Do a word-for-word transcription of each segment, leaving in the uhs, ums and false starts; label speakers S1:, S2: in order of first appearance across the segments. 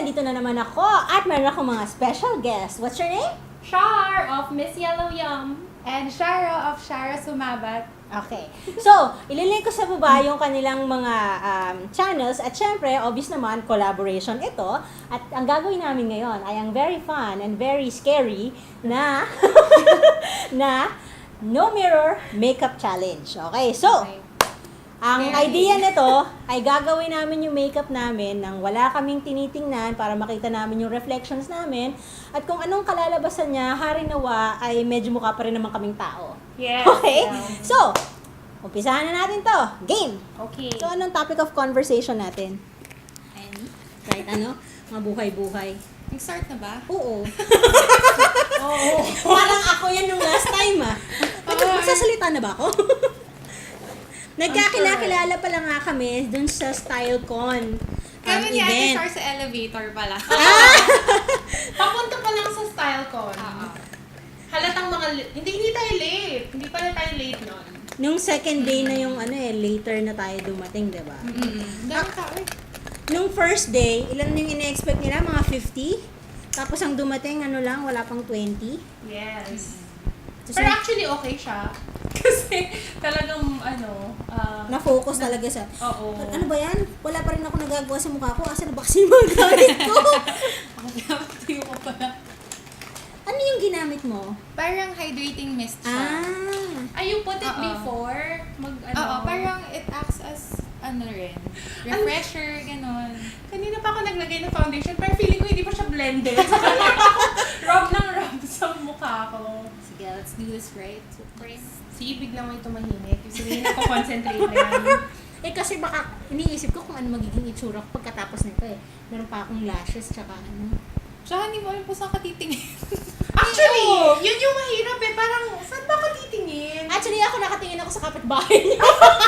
S1: nandito na naman ako at meron akong mga special guest. What's your name?
S2: Char of Miss Yellow Yum.
S3: And Shara of Shara Sumabat.
S1: Okay. So, ililink ko sa baba yung kanilang mga um, channels at syempre, obvious naman, collaboration ito. At ang gagawin namin ngayon ay ang very fun and very scary na na No Mirror Makeup Challenge. Okay, so,
S3: Okay.
S1: ang
S3: Scary.
S1: idea nito ay gagawin namin yung makeup namin nang wala kaming tinitingnan para makita namin yung reflections namin at kung anong kalalabasan niya, hari nawa ay medyo mukha pa rin naman kaming tao.
S2: Yes.
S1: Okay?
S2: yeah.
S1: So, umpisahan na natin to. Game!
S2: Okay.
S1: So, anong topic of conversation natin?
S3: Any?
S1: Kahit ano? Mga buhay-buhay.
S3: Nag-start na ba?
S1: Oo.
S2: Oo.
S1: Parang ako yan nung last time ah. Magsasalita na ba ako? Nagkakilala pa lang nga kami dun sa StyleCon um,
S3: Kami ni Ate
S1: event.
S3: Shar sa elevator pala.
S2: Papunta pa lang sa StyleCon.
S3: Oo.
S2: Halatang mga, li- hindi, hindi tayo late. Hindi pala tayo late nun.
S1: Nung second day na yung ano eh, later na tayo dumating, di ba?
S3: Mm-mm. Dami tao eh.
S1: Nung first day, ilan yung ina-expect nila? Mga fifty? Tapos ang dumating, ano lang, wala pang twenty?
S2: Yes.
S1: Tapos
S2: Pero actually okay siya. Kasi talagang ano, ah,
S1: na-focus talaga sa,
S2: oo.
S1: ano ba yan? Wala pa rin ako nagagawa sa mukha ko. Asa na ba kasi yung mga gamit ko?
S3: Tuyo ko pala.
S1: Ano yung ginamit mo?
S3: Parang hydrating mist siya.
S1: Ah.
S2: Ay, you put it
S3: Oo.
S2: before? Mag ano?
S3: Oo, parang it acts as ano rin. Refresher, ganon.
S2: Kanina pa ako naglagay ng foundation, pero feeling ko hindi pa siya blended. Rub ng rub sa mukha ko.
S3: Sige, let's do this right.
S2: Si biglang may tumahimik. Kasi hindi ako concentrate na yan.
S1: Eh kasi baka iniisip ko kung ano magiging itsura ko pagkatapos nito eh. Meron pa akong lashes tsaka ano.
S3: Tsaka hindi mo alam kung saan ka titingin.
S2: Actually, yun yung mahirap eh. Parang, saan ba ako titingin?
S1: Actually ako nakatingin ako sa kapitbahay niyo.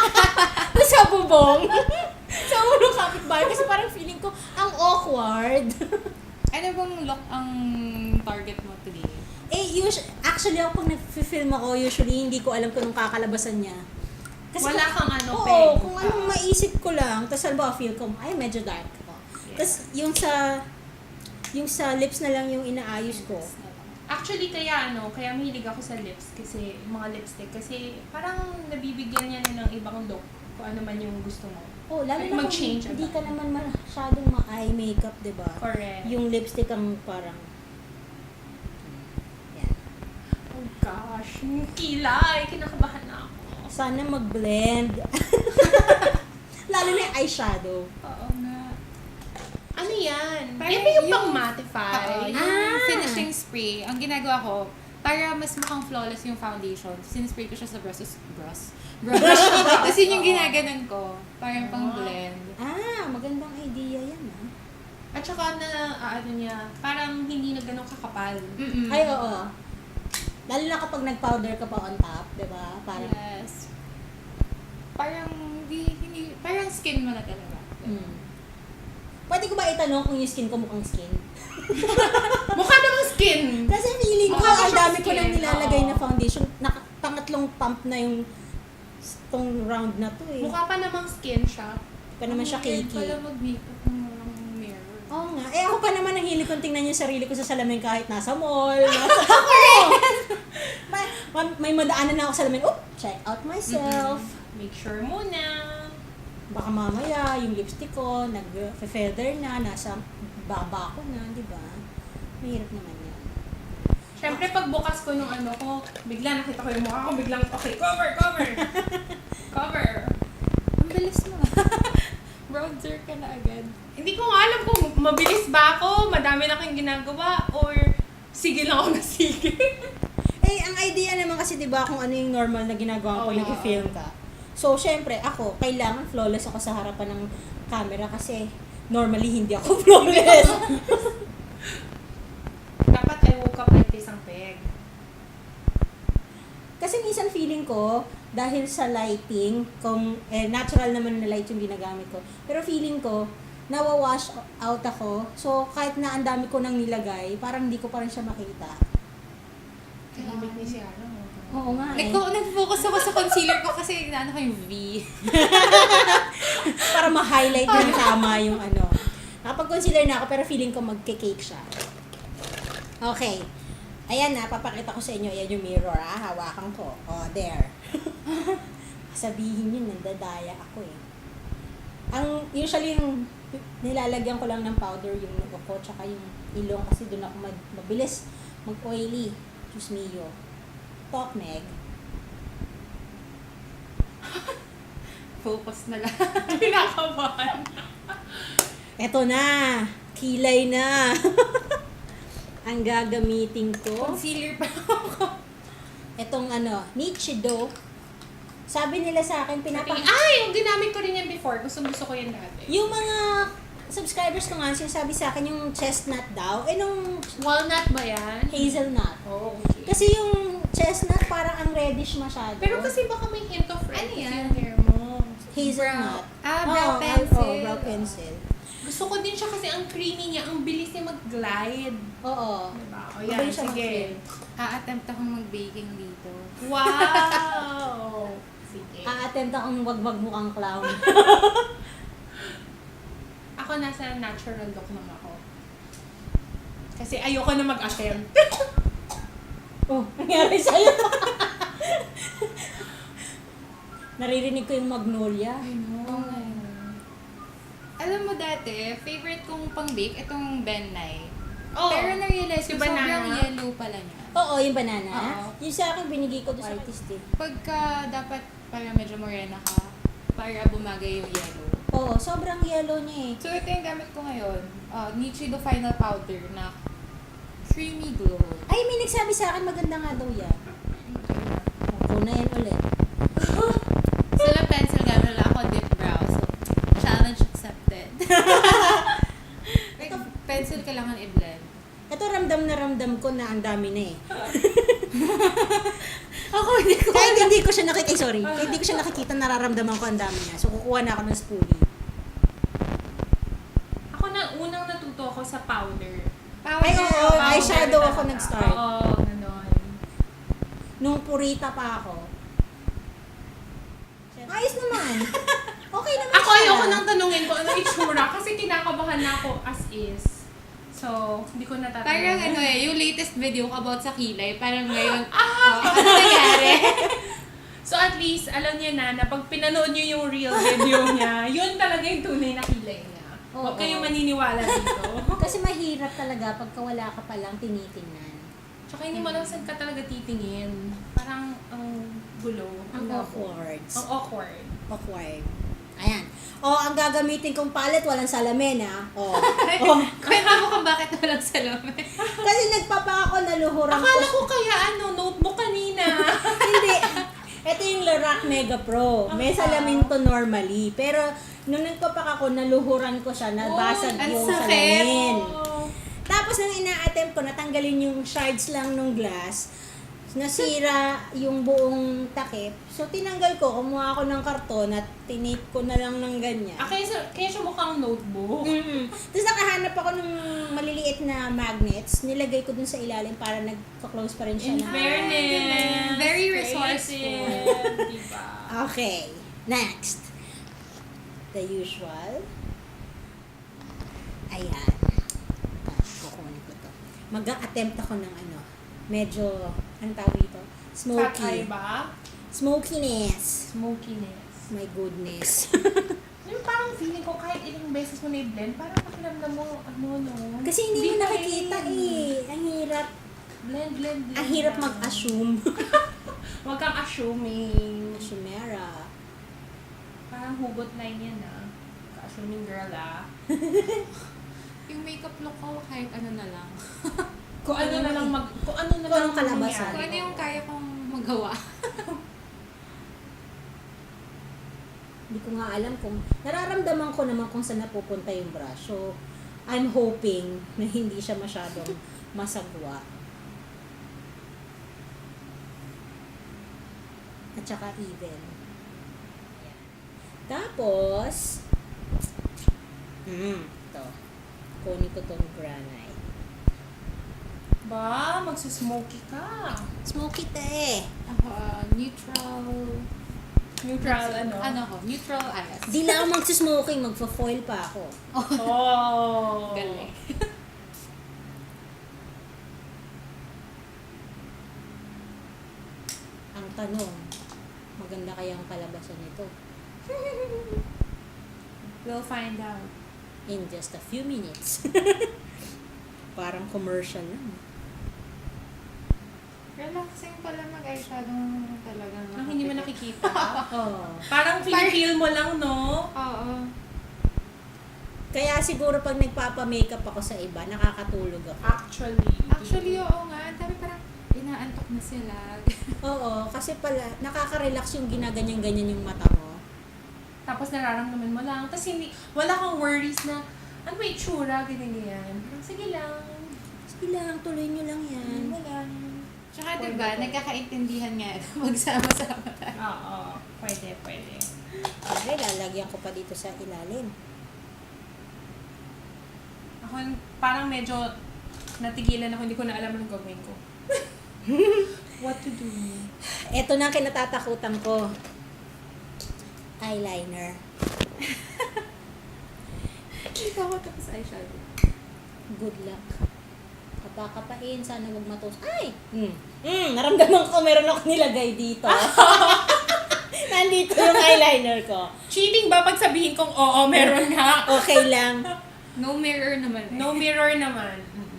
S1: sa bubong. sa ulo kapitbahay kasi parang feeling ko ang awkward.
S3: Ano bang look ang target mo today?
S1: Eh, us- actually ako pag nag-film ako, usually hindi ko alam kung anong kakalabasan niya.
S2: Wala
S1: kung-
S2: kang ano,
S1: Oo,
S2: peg.
S1: kung anong maisip ko lang. Tapos halimbawa feel ko, ay medyo dark ako. Tapos yung sa, yung sa lips na lang yung inaayos ko.
S2: Actually, kaya ano, kaya mahilig ako sa lips kasi, mga lipstick. Kasi parang nabibigyan niya na ng ibang look kung ano man yung gusto mo.
S1: Oh, lalo
S2: Like,
S1: na kung
S2: mag-change
S1: hindi
S2: agad.
S1: ka naman masyadong ma-eye makeup, di ba?
S2: Correct.
S1: Yung lipstick ang parang, yan.
S2: Oh gosh, yung kilay. Kinakabahan na ako.
S1: Sana mag-blend. Lalo na yung eyeshadow.
S3: Oo nga.
S2: Ano yan?
S3: Parang
S2: Yan ba yung
S3: yung-
S2: pang mattify?
S3: Oo, yung
S1: Ah!
S3: finishing spray, ang ginagawa ko, para mas mukhang flawless yung foundation, sinispray ko siya sa brushes, brush, brush. Tapos yun yung ginaganon ko, parang pang blend.
S1: Ah, magandang idea yan ah.
S2: At saka na, ah, ano niya, parang hindi na ganun kakapal.
S3: Mm-mm.
S1: Ay, oo. Lalo na kapag nag-powder ka pa on top, di ba? Parang,
S3: Yes. Parang, hindi, hindi, parang skin mo na talaga.
S1: mm. Pwede ko ba itanong kung yung skin ko mukhang skin?
S2: Mukha namang skin!
S1: Kasi feeling ko,
S2: Mukha
S1: ang
S2: siyang
S1: dami ko
S2: skin,
S1: nang nilalagay
S2: oo.
S1: na foundation. Naka, pangatlong pump na yung tong round na to eh.
S2: Mukha pa namang skin siya.
S1: pa naman siya
S3: Ang weird
S1: cakey.
S3: pala mag-makeup ng walang mirror.
S1: Oo nga. Eh ako pa naman ang hilig kong tingnan yung sarili ko sa salamin kahit nasa mall. Nasa may, may, may madaanan na ako sa salamin. Oop! Check out myself.
S2: Make sure muna.
S1: Baka mamaya yung lipstick ko, nag-feather na, nasa baba ko na, di ba? Mahirap naman yan.
S2: Siyempre, pagbukas ko nung ano ko, bigla nakita ko yung mukha ko, biglang, okay, cover, cover! Cover!
S3: Ang bilis mo. Bronzer ka na agad.
S2: Hindi ko nga alam kung mabilis ba ako, madami na akong ginagawa, or sige lang ako na sige.
S1: Eh, ang idea naman kasi, di ba, kung ano yung normal na ginagawa ko,
S2: Oo.
S1: nag-film ka. So, syempre, ako, kailangan flawless ako sa harapan ng camera kasi normally hindi ako flawless.
S2: Dapat I woke up like this ang peg.
S1: Kasi minsan feeling ko, dahil sa lighting, kung eh, natural naman na light yung ginagamit ko, pero feeling ko, nawawash out ako. So, kahit na ang dami ko nang nilagay, parang hindi ko pa rin siya makita.
S2: Tahimik ni si Ara.
S1: Oo nga eh.
S3: Nag- nag-focus ako sa concealer ko kasi naano ko yung V.
S1: Para ma-highlight yung tama yung ano. Tapos Nakapag-concealer na ako pero feeling ko magke-cake siya. Okay. Ayan na, papakita ko sa inyo. Ayan yung mirror ah. Hawakan ko. Oh, there. Sabihin yun, nandadaya ako eh. Ang usually yung nilalagyan ko lang ng powder yung noo ko tsaka yung ilong kasi doon ako mag, mabilis mag-oily. Diyos mio. Talk, Meg.
S3: Focus na lang.
S2: Kinakabahan.
S1: Eto na. Kilay na. Ang gagamitin ko.
S3: Concealer pa ako.
S1: Etong ano, Nichido. Sabi nila sa akin, pinapa...
S2: Ay, yung ginamit ko rin yan before. Gusto gusto ko yan dati.
S1: Yung mga subscribers ko nga, sinasabi sa akin yung chestnut daw. Eh, nung
S2: Walnut ba yan?
S1: hazelnut.
S2: Oh, okay.
S1: Kasi yung chestnut, parang ang reddish masyado.
S2: Pero kasi baka may hint of red
S3: Ano
S2: kasi
S3: yan?
S2: yung hair mo.
S1: hazelnut.
S3: Ah, brow
S1: Oo,
S3: pencil.
S1: Oo, brow pencil.
S2: Gusto ko din siya kasi ang creamy niya. Ang bilis niya mag-glide.
S1: Oo.
S2: Diba? O
S1: Mabilis
S2: yan,
S1: siya
S2: sige.
S1: mag-glide.
S3: A-attempt akong mag-baking dito.
S2: Wow! Sige.
S1: A-attempt akong wag magmukhang clown.
S2: Ako nasa natural look naman ako. Kasi ayoko na mag-attempt.
S1: Oh, nangyari sa'yo. Naririnig ko yung magnolia.
S2: I know.
S3: Alam mo dati, favorite kong pang-bake, itong Benay.
S2: Oh,
S3: Pero na-realize ko,
S2: yung
S3: sobrang
S2: banana.
S3: yellow pala niya.
S1: Oo, yung banana.
S3: Oo.
S1: Yung sa akin, binigay ko doon sa artist eh.
S3: Pagka dapat para medyo morena ka, para bumagay yung yellow.
S1: Oo, sobrang yellow niya eh.
S3: So ito yung gamit ko ngayon, uh, Nichido Final Powder na creamy glow.
S1: Ay, may nagsabi sa akin, maganda nga daw yan. Ako na yan ulit.
S3: Sila pencil gamit lang ako dip brow. So, challenge accepted. Like, pencil kailangan i-blend.
S1: Ito, ramdam na ramdam ko na ang dami na eh.
S3: Ako, hindi ko
S1: Kahit hindi ko siya nakikita, sorry, kahit hindi ko siya nakikita, nararamdaman ko ang dami niya. So, kukuha na ako ng spoolie.
S2: Ako na, unang natuto ako sa powder.
S3: powder.
S1: Ay, oo,
S2: Powder
S1: eyeshadow
S2: talaga.
S1: ako nag-start.
S2: Oo, ganon.
S1: Nung purita pa ako. Ayos naman. Okay naman
S2: Ako
S1: siya.
S2: ayoko nang tanungin ko ano itsura kasi kinakabahan na ako as is. So, hindi ko natatanong.
S3: Parang ano eh, yung latest video ko about sa kilay, parang ngayon, oh, ano nangyari?
S2: So at least, alam niyo na, na pag pinanood niyo yung real video niya, yun talaga yung tunay na kilay niya. Huwag
S1: Oo.
S2: kayong maniniwala dito.
S1: Kasi mahirap talaga pagka wala ka palang tinitingnan.
S2: Tsaka hindi mo lang saan ka talaga titingin. Parang ang gulo.
S1: Ang
S2: labo.
S1: awkward.
S2: Ang awkward.
S1: Awkward. Ayan. O, ang gagamitin kong palette, walang salamin, ha? O. o.
S3: Kwenta mo kung bakit walang salamin.
S1: Kasi nagpapa ako, naluhuran
S2: Akala
S1: ko.
S2: ko kaya ano, notebook kanina.
S1: Hindi. Ito yung Lorac Mega Pro. May salamin to normally. Pero, nung nagpapak ako, naluhuran ko siya, nabasag
S3: Oh, ang
S1: yung
S3: sakit.
S1: salamin.
S2: Oh.
S1: Tapos, nung ina-attempt ko, natanggalin yung shards lang ng glass, nasira yung buong takip. So, tinanggal ko, kumuha ako ng karton at tinape ko na lang ng ganyan.
S2: Ah, kaya, sa- kaya siya mukhang notebook.
S1: Mm-mm. Tapos nakahanap ako ng maliliit na magnets, nilagay ko dun sa ilalim para nagka-close pa rin siya.
S2: In
S1: ng-
S2: fairness.
S3: Very
S2: creative, diba?
S1: Okay, next. The usual. Ayan. Ah, kukunin ko to. Mag-attempt ako ng ano, medyo, anong tawag dito?
S2: Fat eye
S1: Smoky.
S2: ba?
S1: Smokiness.
S2: Smokiness.
S1: My goodness.
S2: Yung parang feeling ko kahit ilang beses mo na-blend, parang pakiramdam mo, ano, no?
S1: Kasi hindi mo
S2: pa
S1: nakikita
S2: rin.
S1: eh. Ang hirap.
S2: Blend, blend, blend.
S1: Ang hirap
S2: lang.
S1: mag-assume.
S2: Huwag kang assuming.
S1: Shumera.
S2: Parang hugot line yan, ah. Ka-assuming girl, ah.
S3: Yung makeup look ko, kahit ano na lang.
S2: Kung ano na lang mag... Kung ano na
S1: Kung
S2: lang
S1: anong kalabasan.
S2: mangyari.
S3: Kung ano yung kaya kong magawa.
S1: Hindi ko nga alam kung... Nararamdaman ko naman kung saan napupunta yung brush. So, I'm hoping na hindi siya masyadong masagwa. At saka even. Ayan. Tapos, mm, ito. Kunin ko tong granite.
S2: Ba, magsusmoky ka.
S1: Smoky te eh.
S3: Ako, uh, neutral
S2: Neutral, ano?
S3: Ano ko? Neutral eyes.
S1: Di lang ako magsismoking, magpa-foil pa ako.
S2: Oh.
S3: Galing.
S1: Ang tanong, maganda kaya ang kalabasan nito?
S2: We'll find out.
S1: In just a few minutes. Parang commercial lang.
S3: Relaxing pala mag-eyeshadow talagang
S2: Ang hindi mo nakikita.
S1: Oh.
S2: Parang feel mo lang, no?
S3: Oo.
S1: Kaya siguro pag nagpapa-makeup ako sa iba, nakakatulog ako.
S2: Actually.
S3: Actually, oo nga. Ang dami parang inaantok na sila.
S1: Oo, kasi pala, nakaka-relax yung ginaganyan-ganyan yung mata mo.
S2: Tapos nararamdaman mo lang. Tapos hindi, wala kang worries na, ano ba itsura, ganyan ganyan. Parang sige lang.
S1: Sige lang, tuloy nyo lang yan.
S2: Wala.
S3: Tsaka
S2: Pwede
S3: diba,
S2: po.
S3: nagkakaintindihan nga magsama-sama tayo.
S2: Oo. Pwede, pwede.
S1: Okay, lalagyan ko pa dito sa ilalim.
S2: Ako parang medyo natigilan ako, hindi ko na alam anong gagawin ko. What to do?
S1: Ito na ang kinatatakutan ko. Eyeliner.
S3: Ikaw ko tapos eyeshadow.
S1: Good luck. Kapakapain, sana huwag matos. Ay! Hmm. Hmm, naramdaman ko meron ako nilagay dito. Nandito yung eyeliner ko.
S2: Cheating ba pag sabihin kong oo, meron nga?
S1: Okay lang.
S3: No mirror naman eh.
S2: No mirror naman.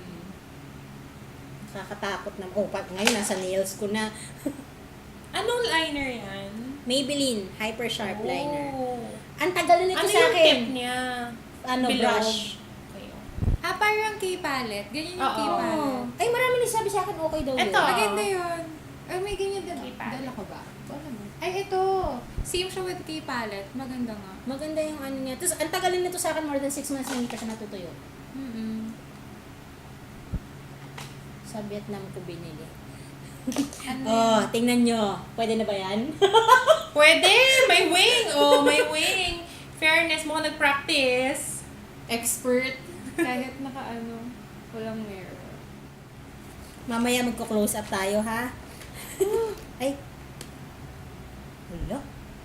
S1: Nakakatakot na. Oh, pag ngayon nasa nails ko na.
S2: Anong liner yan?
S1: Maybelline Hyper Sharp
S2: Oh.
S1: Liner. Ang tagal na nito
S2: Ano
S1: sa
S2: yung
S1: akin.
S2: tip niya?
S1: Ano,
S2: Below.
S1: brush.
S2: Okay.
S3: Ah, parang K-palette. Ganyan yung
S2: Oo.
S3: K-palette.
S1: Ay, marami nagsabi sa akin okay daw yun.
S2: Ito.
S3: Maganda yun. Ay, may ganyan din.
S2: K-palette.
S3: Dala ko ba? Wala mo. Ay, ito. Same siya with K-palette. Maganda nga.
S1: Maganda yung ano niya. Tapos, ang tagal na nito sa akin, more than six months na hindi pa siya natutuyo.
S3: Mm-mm.
S1: Sa Vietnam ko binili.
S3: Ano
S1: Oh,
S3: yun?
S1: tingnan nyo. Pwede na ba yan?
S2: Pwede! May wing! Oh, may wing! Fairness, mo nag-practice.
S3: Expert. Kahit naka-ano, walang mirror.
S1: Mamaya magko-close up tayo, ha? Ay. Wala.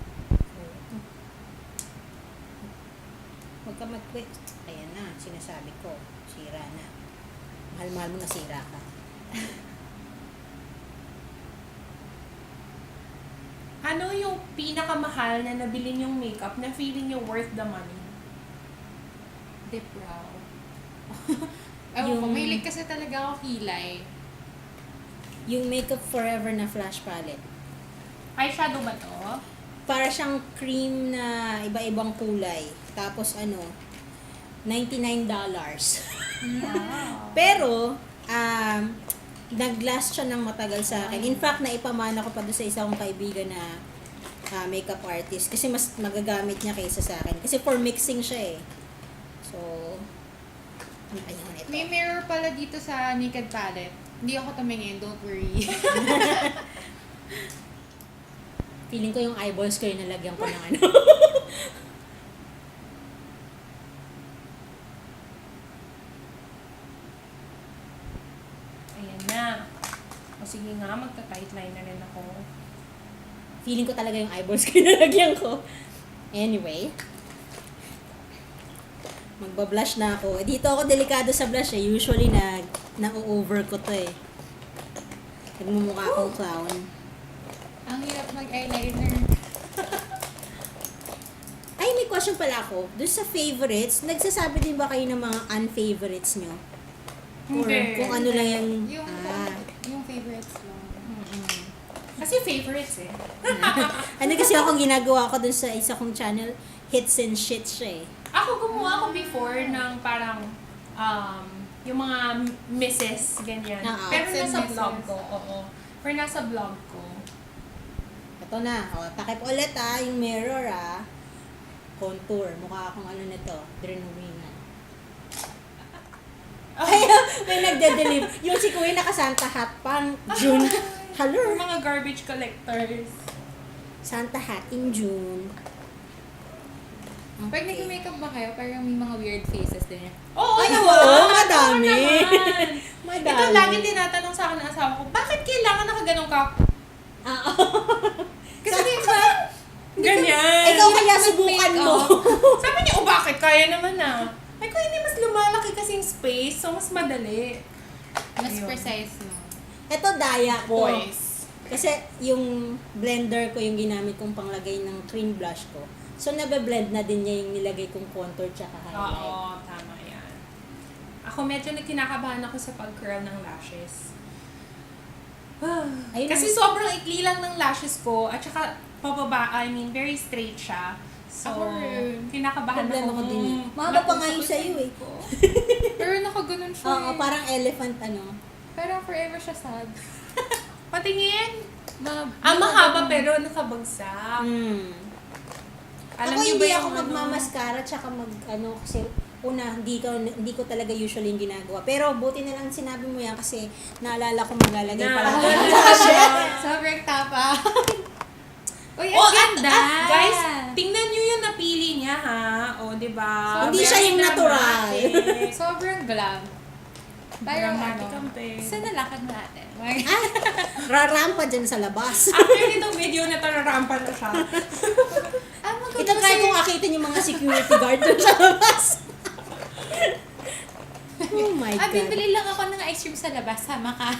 S1: Huwag ka mag-quit. Ayan na, sinasabi ko. Sira na. Mahal-mahal mo na sira ka.
S2: Ano yung pinakamahal na nabili niyong makeup na feeling niyo worth the money?
S3: Dip brow. Ewan ko,
S1: Yung-
S3: mahilig kasi talaga ako kilay.
S1: Yung Makeup Forever na flash palette.
S2: Eyeshadow ba to?
S1: Para siyang cream na iba-ibang kulay. Tapos ano, ninety-nine dollars.
S2: Wow.
S1: Pero, um, nag-last siya ng matagal sa akin. In fact, naipamana ko pa doon sa isa kong kaibigan na ah, makeup artist. Kasi mas magagamit niya kaysa sa akin. Kasi for mixing siya eh. So, ano ayun ito?
S3: May mirror pala dito sa Naked Palette. Hindi ako tumingin, don't worry.
S1: Feeling ko yung eyeballs ko yung nalagyan ko ng ano.
S2: Ayan na. O sige nga, magta-tight line na rin ako.
S1: Feeling ko talaga yung eyeballs ko yung nalagyan ko. Anyway. Magbablush na ako. Eh, Dito ako delikado sa blush eh. Usually na na-over ko to eh. Nagmumukha akong clown.
S3: Ang hirap mag-eyeliner.
S1: Ay, may question pala ako. Doon sa favorites, nagsasabi din ba kayo ng mga unfavorites nyo? Or
S2: Hindi.
S1: kung ano lang yung...
S3: Yung,
S1: Ah.
S3: yung favorites lang.
S2: Kasi favorites eh.
S1: Ano kasi ako ginagawa ko doon sa isa kong channel, hits and shits siya eh.
S2: Ako gumawa ako before ng parang um, yung mga misses, ganyan.
S1: Oo.
S2: Pero
S3: Hits and
S2: nasa vlog
S3: misses.
S2: ko, oo. Pero nasa vlog ko.
S1: Ito na. O, takip ulit ah, yung mirror ah. Contour. Mukha akong ano nito. Drenowina. Ay, may nagde-deliver. Yung si Kuya naka-Santa hat pang June.
S2: For
S1: Hello.
S2: mga garbage collectors.
S1: Santa hat in June.
S3: Pag nag-makeup ba kayo, parang may mga weird faces din.
S2: Oo
S1: Ay,
S2: naman!
S1: oo, madami.
S2: Oo naman.
S1: Madami.
S2: Ito lagi tinatanong sa akin ng asawa ko, bakit kailangan nakaganong ka?
S1: Ah,
S3: Kasi di ba,
S2: Ganyan.
S1: Ikaw kaya subukan mo.
S2: Sabi niya, oh bakit? Kaya naman na. Ay ko, hindi mas lumalaki kasi yung space, so mas madali.
S3: Mas
S2: Ayun.
S3: precise mo.
S1: Ito, daya to.
S2: Boys.
S1: Kasi yung blender ko yung ginamit kong panglagay ng cream blush ko. So, nabe-blend na din niya yung nilagay kong contour tsaka highlight.
S2: Oo, tama yan. Ako medyo nagkinakabahan ako sa pag-curl ng lashes.
S1: Ayun
S2: Kasi
S1: ang-
S2: sobrang ikli lang ng lashes ko at saka pababa, I mean, very straight siya. So,
S3: Ako rin.
S2: kinakabahan
S1: Problema
S2: ako.
S1: ko din eh.
S2: Hmm,
S1: Mahaba pa nga
S2: nakusap
S1: yung sa'yo eh.
S2: ko.
S3: Pero nakaganon siya.
S1: Oo,
S3: eh.
S1: parang elephant ano.
S3: Pero forever siya sad.
S2: Patingin.
S3: Ma
S2: Ang mahaba pero nakabagsak.
S1: Hmm.
S2: Alam
S1: ako
S2: niyo
S1: hindi
S2: ba yung
S1: ako
S2: ano?
S1: magmamaskara tsaka mag ano kasi una hindi ko hindi ko talaga usually yung ginagawa. Pero buti na lang sinabi mo yan kasi naalala ko maglalagay
S2: Na-
S1: pala ako ng lashes.
S3: Sobrang tapa. Uy,
S2: Oh,
S3: ang
S2: at,
S3: ganda!
S2: at guys, tingnan niyo yung napili niya ha. O, di ba?
S1: Hindi siya yung natural.
S2: dramatic.
S3: Sobrang glam. Parang
S2: Dramatic
S3: ano,
S2: ang pe.
S3: sa nalakad natin.
S1: Rarampa dyan sa labas.
S2: After nitong video na to, narampa na siya.
S3: Ah, maganda
S1: Ito try
S3: kasi-
S1: kong akitin yung mga security guard dun sa labas. Oh my
S3: Ah,
S1: God.
S3: bibili lang ako ng ice cream sa labas. Sama ka.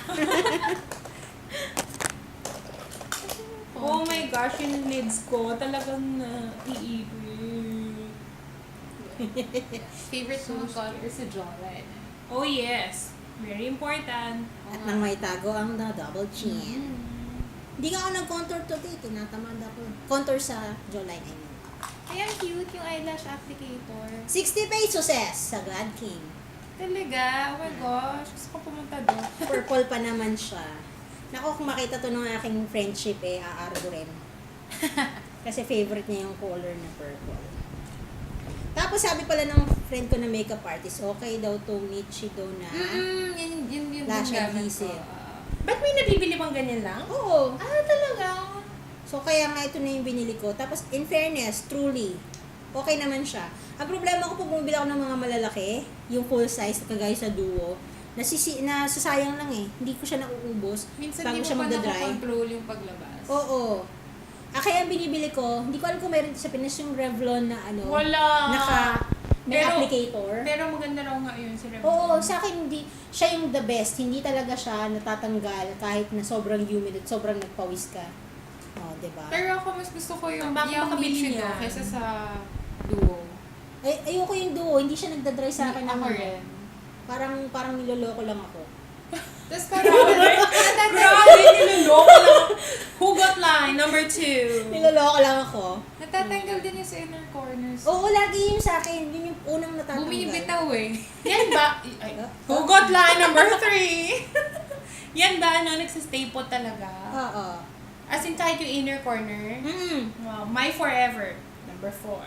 S2: Oh my gosh, yung lids ko talagang naiipit.
S3: Favorite mong color si Jolene.
S2: Oh yes, very important.
S1: At nang may tago ang na double chin. Hindi nga ako nag-contour today. Tinatamad ako. Contour sa jawline, I mean.
S3: Ay, ang cute yung eyelash applicator.
S1: sixty pesos eh, sa Glad King.
S3: Talaga? Oh my gosh. Gusto ko pumunta doon.
S1: Purple pa naman siya. Naku, kung makita to ng aking friendship eh, aargo rin. Kasi favorite niya yung color na purple. Tapos sabi pala ng friend ko na makeup artist, okay daw to Nichi daw na.
S3: Mm-mm, yun, yun, yun.
S1: Lash
S3: yung gamit
S1: adhesive.
S3: ko. Ah.
S2: Ba't may nabibili bang ganyan lang?
S1: Oo.
S2: Ah, talaga?
S1: So kaya nga ito na yung binili ko. Tapos in fairness, truly, okay naman siya. Ang problema ko pag bumibili ako ng mga malalaki, yung full size, kagaya sa Duo, nasisi, nasasayang lang eh. Hindi ko siya nauubos.
S3: Minsan
S1: bago
S3: di mo
S1: siya
S3: pa
S1: magdadry.
S3: nakakontrol yung paglabas.
S1: Oo. Ah, kaya ang binibili ko, hindi ko alam kung meron sa Pinas yung Revlon na ano,
S2: Wala.
S1: naka, may
S2: Pero-
S1: applicator.
S2: Pero maganda raw nga yun si Revlon.
S1: Oo, sa akin hindi, siya yung the best. Hindi talaga siya natatanggal kahit na sobrang humid at sobrang nagpawis ka. Oh, diba?
S3: Pero ako mas gusto ko yung,
S2: Ang baka
S3: yung
S2: makabili
S3: Nichido
S2: niya.
S3: kaysa sa Duo.
S1: Ay, ayoko yung Duo, hindi siya nagdadry sa akin.
S3: Ako
S1: ng-
S3: rin.
S1: Parang, parang niloloko lang ako.
S3: Tapos parang,
S2: Grabe, niloloko lang. Hugot line, number two.
S1: Niloloko lang ako.
S3: natatanggal din yung sa inner corners.
S1: Oo, lagi yun sa akin. Yun yung unang natatanggal.
S3: Bumibitaw eh.
S2: Yan ba? Ay, hugot line, number three. Yan ba, ano, nagsistaple talaga?
S1: Oo.
S2: As in, kahit yung inner corner.
S1: Mm.
S2: Wow, my forever, number four.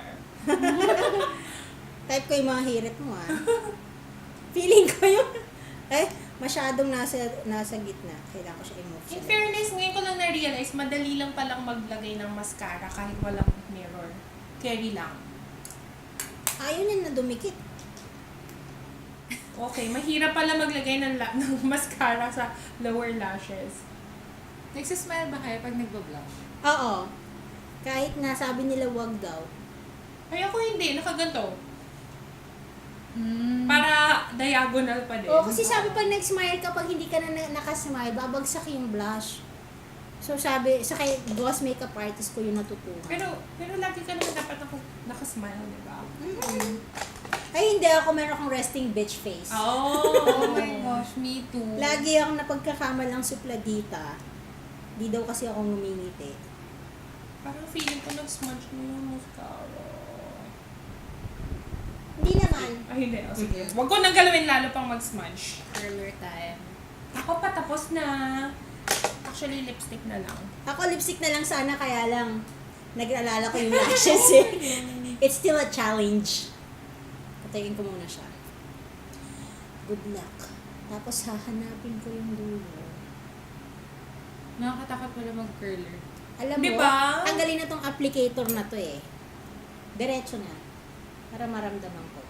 S1: Type ko yung mga hirit mo ah. Feeling ko yung, eh, masyadong nasa nasa gitna. Kailangan ko siya i-move
S2: In
S1: siya.
S2: fairness, ngayon ko lang na-realize, madali lang palang maglagay ng mascara kahit walang mirror. Carry lang.
S1: Ayaw niya na dumikit.
S2: Okay, mahirap pala maglagay ng, la- ng mascara sa lower lashes.
S3: Nagsismile ba kayo pag nagbablog?
S1: Oo. Kahit nga sabi nila wag daw.
S2: Ay, ako hindi, nakaganto.
S3: Mm.
S2: Para diagonal pa din.
S1: Oo, kasi sabi pag nag-smile ka, pag hindi ka na na- nakasmile, babagsak yung blush. So sabi, sa kay boss makeup artist ko yung natutunan.
S2: Pero, pero lagi ka naman dapat naka- nakasmile, di ba?
S1: Mm-mm. Ay, hindi ako, meron akong resting bitch face.
S3: Oh my gosh, me too.
S1: Lagi akong napagkakamalang supladita. Di daw kasi ako ngumingiti.
S2: Parang feeling ko nag-smudge mo yung mascara.
S1: Hindi naman.
S2: Ay, hindi. O, sige. Huwag ko nang galawin lalo pang mag-smudge.
S3: Curler time.
S2: Ako pa, tapos na. Actually, lipstick na lang.
S1: Ako lipstick na lang sana, kaya lang nag-alala ko yung lashes eh. It's still a challenge. Patayin ko muna siya. Good luck. Tapos hahanapin ko yung dulo.
S3: Nakakatakot pala mag-curler.
S1: Alam mo,
S2: Diba?
S1: tanggalin na tong applicator na to eh. Diretso na. Para maramdaman ko.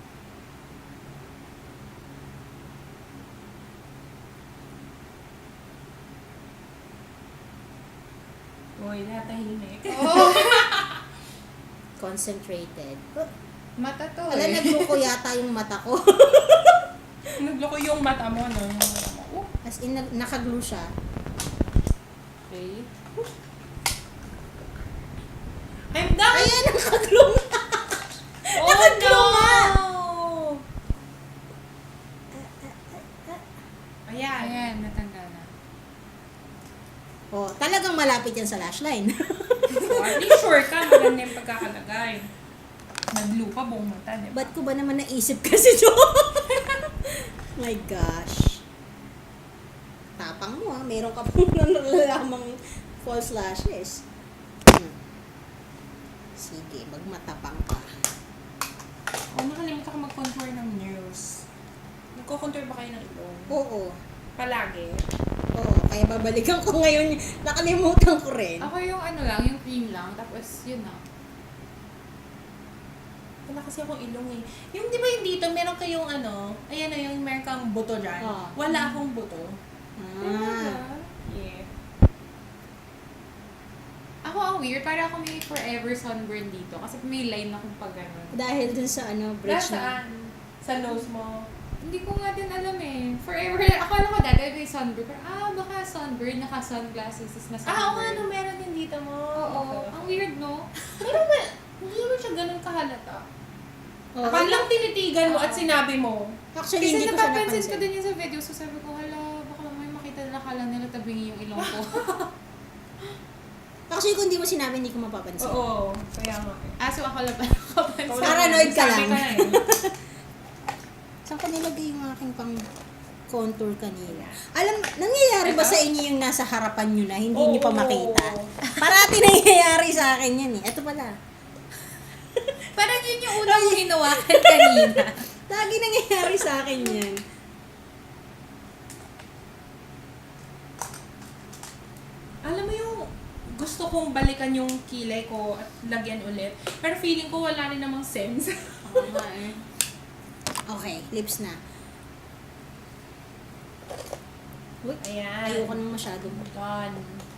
S2: Uy, natahimik.
S3: Oh.
S1: Concentrated. Oh,
S3: Mata to
S1: Wala,
S3: eh.
S1: nagluko yata yung mata ko.
S2: Nagloko yung mata mo, no? Yung mata mo. Oh,
S1: As in, nag- nakaglue siya.
S3: Okay.
S2: I'm done!
S1: Ayan, nakaglue nga.
S2: Oh,
S1: Nakaglue nga.
S2: Ayan.
S3: Ayan, natanggal na.
S1: Oh, talagang malapit yan sa lash line.
S2: So, at least sure ka, maganda yung pagkakalagay. Naglupa buong mata, di ba?
S1: Ba't ko ba naman naisip kasi to? My gosh. Tapang mo ha. Meron ka pong nalalamang false lashes. Hmm. Sige, magmatapang ka.
S2: Oh, nakalimutan ko mag-contour ng nails. Nagko-contour ba kayo ng ilong?
S1: Oo.
S2: Palagi?
S1: Oo, kaya babalikan ko ngayon. Nakalimutan ko rin.
S3: Ako yung ano lang, yung cream lang, tapos yun na.
S2: Wala kasi akong ilong eh. Yung di ba yung dito, meron kayong ano, ayan na yung meron kang buto dyan.
S1: Oh.
S2: Wala akong buto.
S1: Ah.
S2: Yeah.
S3: Ako ang weird, para ako may forever sunburn dito. Kasi may line akong pag ganun.
S1: Dahil dun sa ano, bridge na.
S2: Nasaan? Sa nose mo?
S3: Hindi ko nga din alam eh. Forever, akala ko dati may sunburn. Pero, ah, baka sunburn, naka-sunglasses is na sunburn.
S2: Ah, oo nga, no, meron din dito mo.
S3: Oo, ang weird no?
S2: Pero ba, hindi naman siya ganun kahalata.
S1: Oo.
S2: Pag lang tinitigan mo at sinabi mo,
S1: Actually,
S3: Kasi
S1: hindi ko siya
S3: napapansin ko
S1: napansin.
S3: din yun sa video. So sabi ko, hala, baka may makita nila, kala nila tabingi yung ilong ko.
S1: Actually, kung hindi mo sinabi, hindi ko mapapansin.
S2: oo, kaya nga eh.
S3: ah, so ako lang pala nakapansin.
S1: Paranoid ka
S2: Sabi
S1: lang.
S2: ko na eh.
S1: Saan ko nilagay yung aking pang contour kanina? Alam, nangyayari ba
S2: Ito?
S1: sa inyo yung nasa harapan nyo na hindi nyo pa
S2: Oo.
S1: makita? Parati nangyayari sa akin yan eh. Ito pala.
S3: Parang yun yung unang hinawakan kanina.
S1: Lagi nangyayari sa akin yan.
S2: Alam mo yung gusto kong balikan yung kilay ko at lagyan ulit. Pero feeling ko wala rin namang sense.
S3: Oo nga eh.
S1: Okay, lips na. Uy,
S2: Ayan.
S1: ayoko nang masyadong.
S2: Done.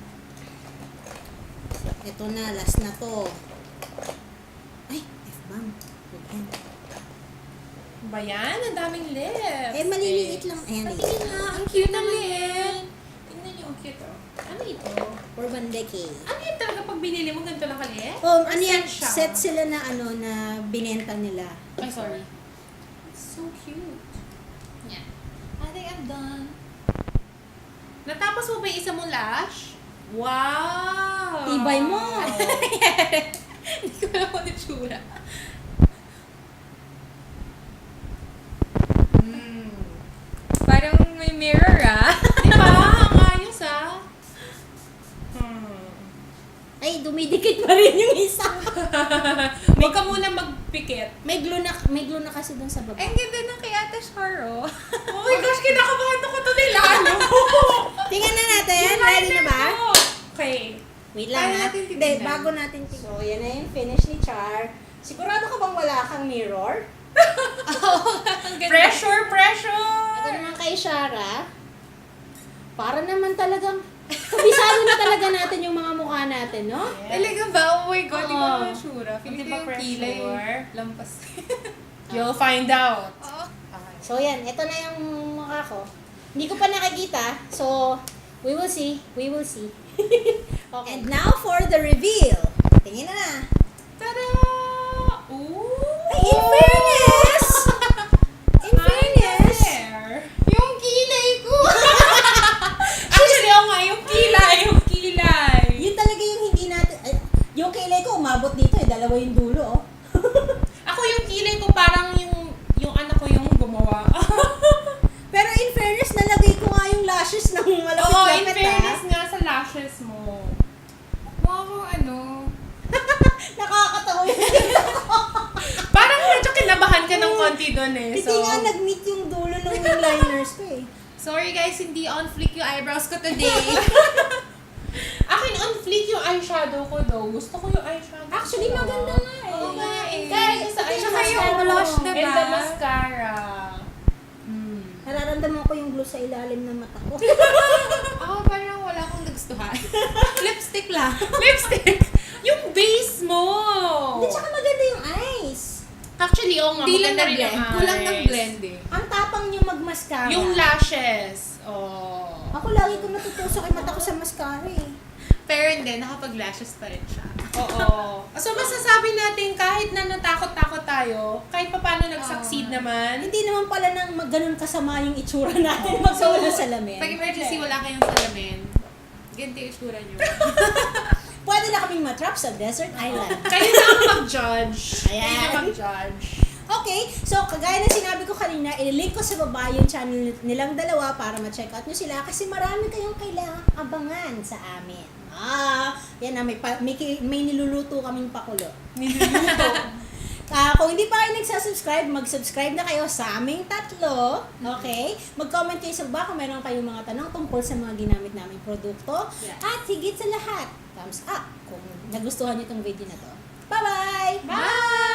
S1: Ito na, last na to. Ay, F-bomb. Huwag yan.
S2: Ba yan? Ang daming lips.
S1: Eh, maliliit lang. Ayan,
S2: Patingin
S1: liit.
S2: nga. Ang cute ng liit. Tingnan niyo, ang cute oh. Ano ito?
S1: Urban Decay.
S2: Ano yun talaga pag binili mo ganito lang kaliit?
S1: Oh,
S2: Or
S1: ano yan?
S2: set siya?
S1: Set sila na ano, na binenta nila.
S3: Ay, sorry.
S2: So cute.
S3: Yeah. I think I'm done.
S2: Natapos mo ba yung isa mong lash? Wow!
S1: Tibay mo.
S3: Hindi ko alam kung ano tsura.
S2: Hmm.
S3: Parang may mirror ah.
S2: Di ba? Ang ayos ah. Hmm.
S1: Ay, dumidikit pa rin yung isa.
S2: Huwag ka muna magpikit.
S1: May glue na, may glue na kasi dun sa baba.
S3: Ang ganda ng kay Ate Char oh.
S2: Oh my gosh, kinakabahan ako to nila. Ano?
S1: Tingnan na natin. Ready na ba?
S2: Okay.
S1: Wait lang
S3: Paano
S1: ha.
S3: natin
S1: Hindi,
S3: titignan?
S1: bago natin tingnan. So, yan na yung finish ni Char. Sigurado ka bang wala kang mirror?
S3: Ang ganda.
S2: Pressure, pressure!
S1: Ito naman kay Shara. Para naman talagang, kabisado na talaga natin yung mga mukha natin, no?
S3: Talaga ba? Oh my God, di ko
S1: Oo.
S3: naman sure. Feeling
S2: Di
S3: ko
S2: ba
S3: yung
S2: pressure?
S3: kilay. Lampas.
S2: You'll find out.
S3: Oo.
S1: So, yan. Ito na yung mukha ko. Hindi ko pa nakikita. So, we will see. We will see. Okay. And now for the reveal. Tingin na na.
S2: Tada! Ooh!
S1: Ay, in fairness! In fairness!
S2: There.
S3: Yung kilay ko!
S2: Actually, oo nga, yung kilay, yung kilay.
S1: Yun talaga yung hindi natin, ay, yung kilay ko umabot dito eh, dalawa yung dulo oh.
S2: Ako yung kilay ko parang yung yung anak ko yung gumawa.
S1: Pero in fairness, nalagay ko nga yung lashes ng
S2: Oo, in
S1: malapit-lapit
S2: fairness
S1: ah.
S2: nga sa lashes mo.
S3: Mukha ko ano.
S1: Nakakatawa yun.
S2: Parang medyo kinabahan ka ng konti doon eh.
S1: Hindi
S2: So,
S1: nga nag-meet yung dulo ng wing liners ko eh.
S3: Sorry guys, hindi on flick yung eyebrows ko today.
S2: akin on fleek yung eyeshadow ko though. Gusto ko yung eyeshadow.
S1: Actually,
S2: ko.
S1: maganda nga eh.
S2: Oo nga eh.
S1: Kaya
S2: sa
S1: ito yung
S2: eyeshadow.
S1: mascara
S3: blush,
S1: mo.
S3: diba?
S2: And the mascara.
S3: Hmm.
S1: Nararamdaman ko yung glue sa ilalim ng mata ko.
S3: Ako parang wala akong nagustuhan. Lipstick lang.
S2: Lipstick! Yung base mo!
S1: Hindi, tsaka
S2: Actually, oo nga,
S3: Di lang
S2: maganda rin
S3: na-blend.
S2: yung
S3: Kulang ng
S2: eyes.
S3: blend eh.
S1: Ang tapang niyo mag-mascara.
S2: Yung lashes. Oh.
S1: Ako lagi ko natutusok yung mata ko sa mascara eh.
S3: Pero hindi, nakapag-lashes pa rin siya.
S2: Oo. So, masasabi natin kahit na natakot-takot tayo, kahit pa paano nag-succeed
S3: Oo.
S2: naman,
S1: Hindi naman pala nang mag- ganun kasama yung itsura natin magkawala sa salamin.
S3: Pag emergency, wala kayong salamin. Ganito yung itsura nyo.
S1: Pwede na kaming matrap sa desert island.
S2: kayo na ang mag-judge.
S1: Ayan.
S2: Kayo na mag-judge.
S1: Okay, so kagaya ng sinabi ko kanina, ililink ko sa baba yung channel nilang dalawa para ma-check out nyo sila kasi marami kayong kailangang abangan sa amin. Ah, yan na, may, pa, may, ki- may niluluto kaming pakulo.
S2: Niluluto.
S1: Ah, kung hindi pa kayo nagsasubscribe, mag-subscribe na kayo sa aming tatlo. Okay? Mag-comment kayo sa baba kung meron kayong mga tanong tungkol sa mga ginamit naming produkto.
S3: Yeah.
S1: At higit sa lahat, thumbs up kung nagustuhan nyo itong video na to. Bye-bye!
S2: Bye!